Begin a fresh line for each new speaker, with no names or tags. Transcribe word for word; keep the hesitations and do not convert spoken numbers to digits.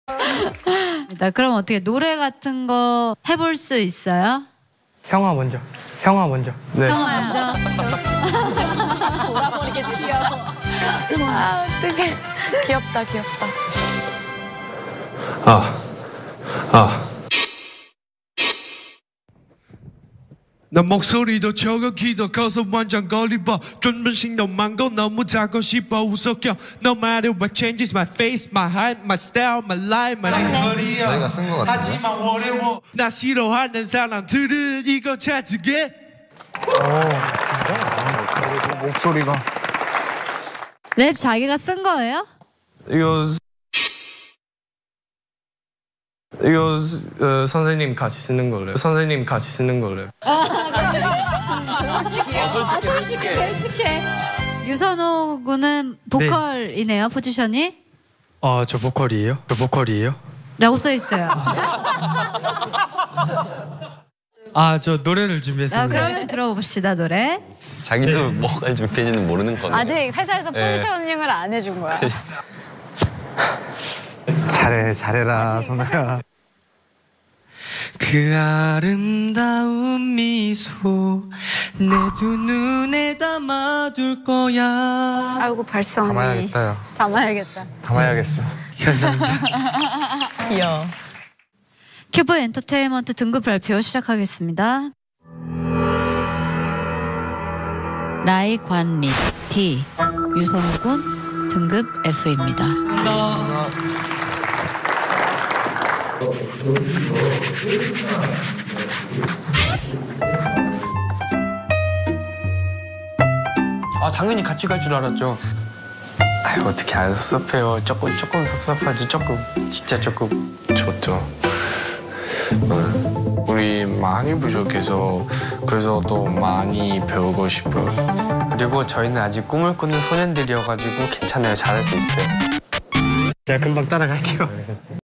그럼 어떻게 노래 같은 거 해볼 수 있어요?
형아 먼저. 형아 먼저.
네. 형아 먼저.
돌아버리겠네 진짜. 아 어떡해. 귀엽다 귀엽다.
아, 아. 나 목소리도 저거 키도 커서 완전 걸리버 존문식 너만 거 너무 자고 싶어 웃어껴 No matter what changes my face, my height, my style, my life, my 허리야
저희가 쓴 거 같은데?
하지만 어려워 나 싫어하는 사람들은 이거 찾게
오, 목소리가
랩 자기가 쓴 거예요?
이거 이거 어, 선생님 같이 쓰는 거래요. 선생님 같이 쓰는 거래요.
솔직해. 솔직해. 솔직해. 유선호 군은 보컬이네요, 네. 포지션이?
어, 저 보컬이에요? 저 보컬이에요?
라고 써 있어요.
아, 저 노래를 준비했습니다.
아, 그러면 들어봅시다, 노래.
자기도 네. 뭐가 준비해지는 모르는 건데.
아직 회사에서 포지셔닝을 네. 안 해준 거야.
잘해, 잘해라, 선우야.
그 아름다운 미소 내 두 눈에 담아둘 거야.
아이고 발성이.
담아야겠다요.
담아야겠다.
담아야겠어.
감사합니다.
귀여워.
큐브 엔터테인먼트 등급 발표 시작하겠습니다. 라이관리 D 유선호 군 등급 F입니다.
아, 당연히 같이 갈 줄 알았죠.
아유, 어떻게 안 섭섭해요. 조금 조금 섭섭하지. 조금 진짜 조금 좋죠. 어, 우리 많이 부족해서 그래서 또 많이 배우고 싶어요. 그리고 저희는 아직 꿈을 꾸는 소년들이어가지고 괜찮아요. 잘할 수 있어요.
제가 금방 따라갈게요.